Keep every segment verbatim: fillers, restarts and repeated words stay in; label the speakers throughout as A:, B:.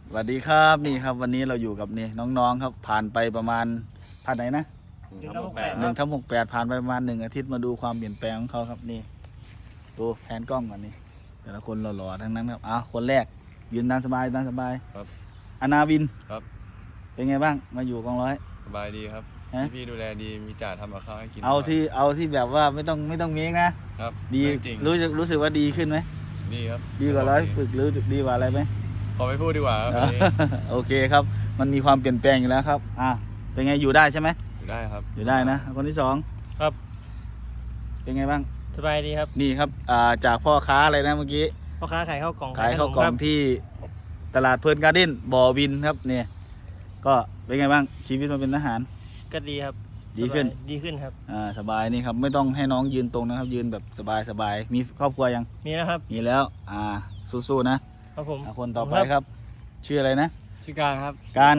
A: สวัสดีครับนี่ครับวันนี้เราอยู่กับนี่น้องๆครับผ่านไปประมาณผ่านไหนนะ
B: หนึ่งทับหกแปด
A: หนึ่งทับหกแปดผ่านไปประมาณหนึ่งอาทิตย์มาดูความเปลี่ยนแปลงของเขาครับนี่ดูแผนกล้องก่อนนี่แต่ละคนหล่อๆทั้งนั้นครับอ้าวคนแรกยืนตามสบายตามสบาย
C: ครับ
A: อนาวิน
C: ครับ
A: เป็นไงบ้างมาอยู่กองร้อย
C: สบายดีครับ
A: ฮะ
C: พี่ๆดูแลดีมีจ่าทำกับข้าวให้กิน
A: เอา
C: บ่ย
A: ที่เอาที่แบบว่าไม่ต้องไม่ต้องเมคนะครับ ดี
C: เรื่องจริง
A: รู้สึกรู้สึกว่าดีขึ้นไหม
C: ดีครับ
A: ดีกว่าร้อยฝึกหรือดีกว่าอะไรไหม
C: ขอไม่พูดดีกว่าครับวันนี้
A: โอเคครับมันมีความเปลี่ยนแปลงอยู่แล้วครับอ่ะเป็นไงอยู่ได้ใช่ไหม
C: อยู่ได้ครับ
A: อยู่ได้นะคนที่สอง
B: ครับ
A: เป็นไงบ้าง
B: สบายดีครับ
A: นี่ครับอ่าจากพ่อค้าอะไรนะเมื่อกี้
B: พ่อค้าขายข้าวกล่อง
A: ขายข้าวกล่องที่ตลาดเพลินการ์เด้นบ่อวินครับเนี่ยก็เป็นไงบ้างชีวิตมาเป็นทหาร
B: ก็ดีครับ
A: ดีขึ้น
B: สบายดีขึ้นครับ
A: อ่าสบายนี่ครับไม่ต้องให้น้องยืนตรงนะครับ ยืนแบบสบายสบายมีครอบครัวยัง
B: มีแล้วครับ
A: มีแล้วอ่าสู้ๆนะครับ
B: ผม
A: อ่าคนต่อไปครับ ชื่ออะไรนะ
C: ชื่อการครับ
A: การ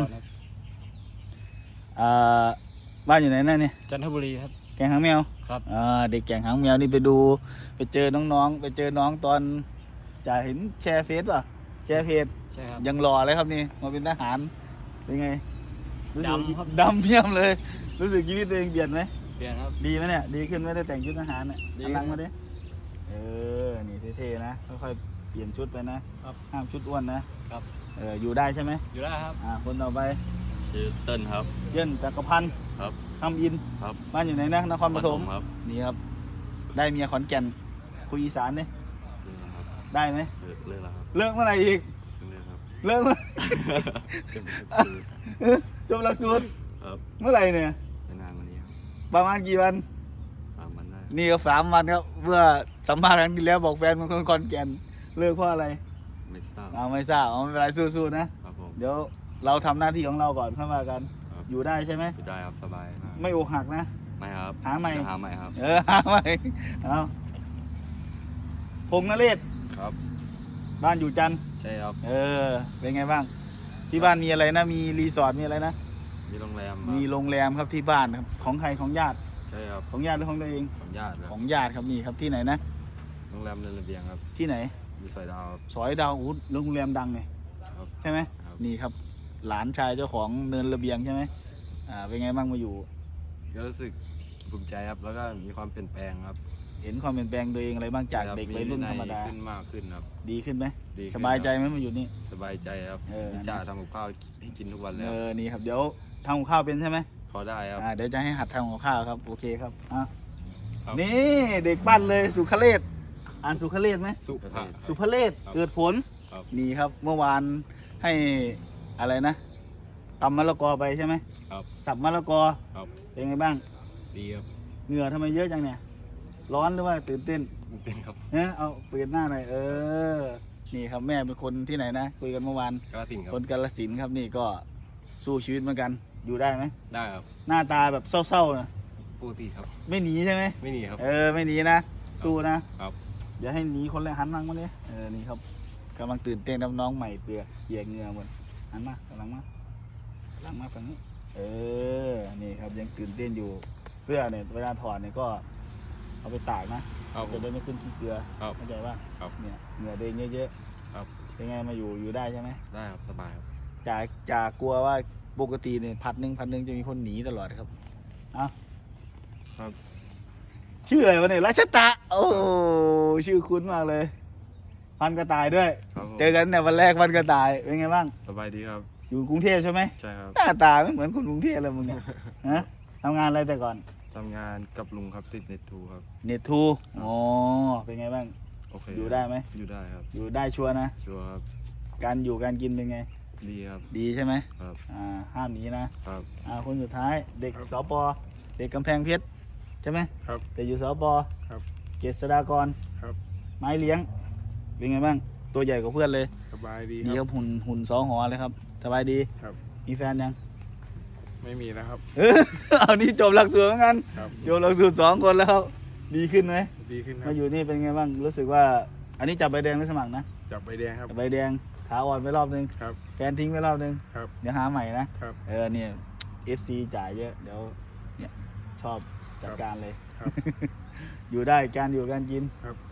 A: อ่าบ้านอยู่ไหนนั่นเนี่ย
C: จันทบุรีครับ
A: แกงหางแมว
C: ครับ
A: อ่าเด็กแกงหางแมวนี่ไปดูไปเจอน้องๆ ไปเจอน้องตอนจะเห็นแชร์เฟซป่ะแชร์เพจ
C: ใช่ครับ
A: ยังหล่อเลยครับนี่มาเป็นทหารเป็นไงรู้สึก
C: ดำครับ
A: ดำเพียมเลย รู้สึกชีวิตตัวเองเปลี่ยนไหม
C: เปลี่ยนครับ
A: ดีไหมเนี่ยดีขึ้นไหม่ได้แต่งชุดทหารเนี่ย
C: ดี
A: กำลังมาดิเออนี่เท่ๆนะค่อยๆเปลี่ยนชุดไปนะครับ ห้ามชุดอ้วนนะครับ เอออยู่ได้ใช่ไหม
C: อยู่ได้ครับ
A: อ่าคนต่อไป
D: ชื่อเติ้ลครับ
A: เยินจักรพันธ์
D: ครับ
A: ทำอิน
D: ครับ
A: บ้านอยู่ไหนนะนครปฐม
D: ครับ
A: นี่ครับ ได้เมียขอนแก่นคุยอีสานเนี่ย
D: เลิกแล้วครับ
A: ได้ไหม
D: เลิกเลิกแล้วครับ
A: เลิกเมื่อไหร่อีก
D: เลิกครับ
A: เลิกเมื่อ
D: เป็นคือ
A: จบหลักสูตร
D: ครับ
A: เมื่อไหร่เนี่ย
D: ไม่นานกวันนี้ครับ
A: ประมาณกี่วัน
D: ตามมันได้
A: นี่ก็สามวันครับเมื่อสัมภาษณ์ครั้งที่แล้วบอกแฟนเป็นคนขอนแก่นเลิกเพราะอะไร
D: ไม่ทราบ
A: เอาไม่ทราบเอาไม่เป็นไรสู้ๆนะครับ
D: ผม
A: เดี๋ยวเราทำหน้าที่ของเราก่อนเข้ามากัน
D: ครับ
A: อยู่ได้ใช่ไหม
D: อยู่ได้ครับสบายมาก
A: ไม่อกหักนะ
D: ไม่ครับ
A: หาใหม่
D: จะหาใหม่ครับ
A: เออหาใหม่เอาพงษ์นเรศ
D: ครับ
A: บ้านอยู่จันทร์
D: ใช่ครับ
A: เออเป็นไงบ้าง ที่บ้านมีอะไรนะ มีรีสอร์ทมีอะไรนะ
D: มีโรงแรมครับ
A: มีโรงแรมครับที่บ้านครับของใครของญาติ
D: ใช่ครับ
A: ของญาติหรือของตัวเอง
D: ของญาติค
A: ข
D: รับ
A: องญาติครับนี่ครับที่ไหนนะ
D: โรงแรมเรือนระเบียงครับ
A: ที่ไหน
D: อยู่สอยดาวครับ
A: สอยดาวอู้โรงแรมดังเลย
D: ครับ
A: ใช่ไหม
D: ครับ
A: นี่ครับ หลานชายเจ้าของเนินระเบียงใช่ไหมอ่าเป็นไงบ้างมาอยู่
D: ก็รู้สึกภูมิใจครับแล้วก็มีความเปลี่ยนแปลงครับ
A: เห็นความเปลี่ยนแปลงตัวเองอะไรบ้างจาก
D: ครับ
A: เด็กวัยรุ่นธรรมดา
D: ขึ้นมากขึ้นครับ
A: ดีขึ้นไหม
D: ดีขึ้น
A: สบายใจ
D: ครับ
A: ไหมมาอยู่นี่
D: สบายใจครับ
A: เออ
D: มีจ่าทำกับข้าวให้กินทุกวันแล้
A: เอ
D: ว
A: อนี่ครับเดี๋ยวทำกับข้าวเป็นใช่ไหม
D: พอได้ครับ
A: อ่าเดี๋ยวจะให้หัดทำกับข้าวครับโอเคครับอ่ะ
C: ครับ
A: นี่เด็กปั้นเลยสุขเลศอ่านสุขเลศไหม
C: สุภาพ
A: สุภเลศ
C: ครับ
A: เกิดผล
C: ครับ
A: นี่ครับเมื่อวานให้อะไรนะตำมะละกอไปใช่ไหม
C: ครับ
A: สับมะละกอ
C: ครับ
A: เป็นไงบ้าง
C: ดีครับ
A: เหงื่อทำไมเยอะจังเนี่ยร้อนหรือว่าตื่นเต้น
C: เป็นครับ
A: เนี่ยเอาเปลี่ยนหน้าหน่อยเออนี่ครับแม่เป็นคนที่ไหนนะคุยกันเมื่อวาน
C: กระติ่งครับ
A: คนกาฬสินธุ์ครับนี่ก็สู้ชีวิตเหมือนกันอยู่ได้ไหม
C: ได้ครับ
A: หน้าตาแบบเศร้าๆนะ
C: ปกติครับ
A: ไม่หนีใช่ไหม
C: ไม่หนีครับ
A: เออไม่หนีนะสู้นะครับ เดี๋ยวให้หนีคนแรกหันหลังมาเลยเออนี่ครับกำลังตื่นเต้นน้ำน้องใหม่เปลือกเหยียกเหงื่อหมดหันมากำลังมาหลังมาฝั่งนี้ เออนี่ครับยังตื่นเต้นอยู่เสื้อเนี่ยเวลาถอดเนี่ยก็เอาไปตากนะครับ
C: ผ
A: จะ
C: ม
A: ได้ไม่ขึ้นขี้เกลือ
C: ครับ
A: เข้าใจป่ะ
C: ครับ
A: เนี่ยเหงื่อตัวเองเยอะ
C: ครับ
A: ๆเป็นไงมาอยู่อยู่ได้ใช่ไหม
C: ได้ครับสบายครับ
A: จากจากกลัวว่าปกติเนี่ยพัดหนึ่งพัดหนึ่งจะมีคนหนีตลอดครับเอ้า
D: ครับ
A: ชื่ออะไรวะเนี่ยรัชตะโอ้ชื่อคุ้นมากเลย พันกระต่ายด้วย
D: ครับผม
A: เจอกันเนี่ยวันแรกพันกระต่ายเป็นไงบ้าง
D: สบายดีครับ
A: อยู่กรุงเทพใช่ไหม
D: ใช่ครับ
A: หน้าตาไม่เหมือนคนกรุงเทพเลยมึงเนี่ยฮะทำงานอะไรแต่ก่อน
D: ทำงานกับลุงครับติดเน็ตทูครับ
A: เน็ตทูอ๋อเป็นไงบ้าง
D: โอเค
A: อยู่ได้ไหม
D: อยู่ได้ครับ
A: อยู่ได้ชัวร์นะ
D: ชัวร์ครับ
A: การอยู่การกินเป็นไง
D: ดีครับ
A: ดีใช่ไหม
D: ครับ
A: อ่าห้ามหนีนะครับ อ่าคนสุดท้ายเด็กสปเด็กกำแพงเพชรใช่ไหม
C: ครับ
A: แต่อยู่สป
C: ครับ
A: เกษดากร
C: ครับ
A: ไม้เลี้ยงเป็นไงบ้างตัวใหญ่กว่าเพื่อนเลย
C: สบายดี
A: ดี
C: ค
A: ค
C: รั
A: รั
C: บบ
A: หุ่นหุ่นสองหอเลยครับสบายดี
C: ครับ
A: มีแฟนยัง
C: ไม่มีแล้วครับ
A: เออ เอานี่จบหลักสูตรเหมือนกัน
C: ครับ
A: จบหลักสูตรสองคนแล้วดีขึ้นไหม
C: ดีขึ้นครั
A: มา
C: บ
A: อยู่นี่เป็นไงบ้างรู้สึกว่า อันนี้จับใบแดงหรือสมัครนะ
C: จับใบแดงครับ
A: จับใบแดงขาอ่อนไปรอบนึง
C: ครับ
A: แฟนทิ้งไปรอบนึง
C: ครับ
A: เดี๋ยวหาใหม่นะครับ เออเนี่ย เอฟ ซี จ่ายเยอะเดี๋ยวเนี่ยชอบจัดการเลย
C: ครับ
A: อยู่ได้การอยู่การกิน
C: ครับ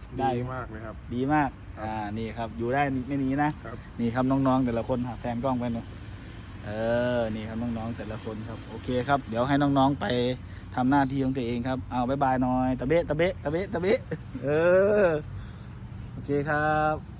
A: ได้
C: ดีมากเลยครับ
A: ดีมาก อ่า นี่ครับ อยู่ได้ไม่หนีนะ
C: ครับ
A: นี่ครับน้องๆแต่ละคนหาแฟนกล้องไปหน่อยเออ นี่ครับน้องๆแต่ละคนครับ โอเคครับ เดี๋ยวให้น้องๆไปทำหน้าที่ของตัวเองครับ เอาบ๊ายบายหน่อย ตะเบะตะเบะตะเบะตะเบะเออ โอเคครับ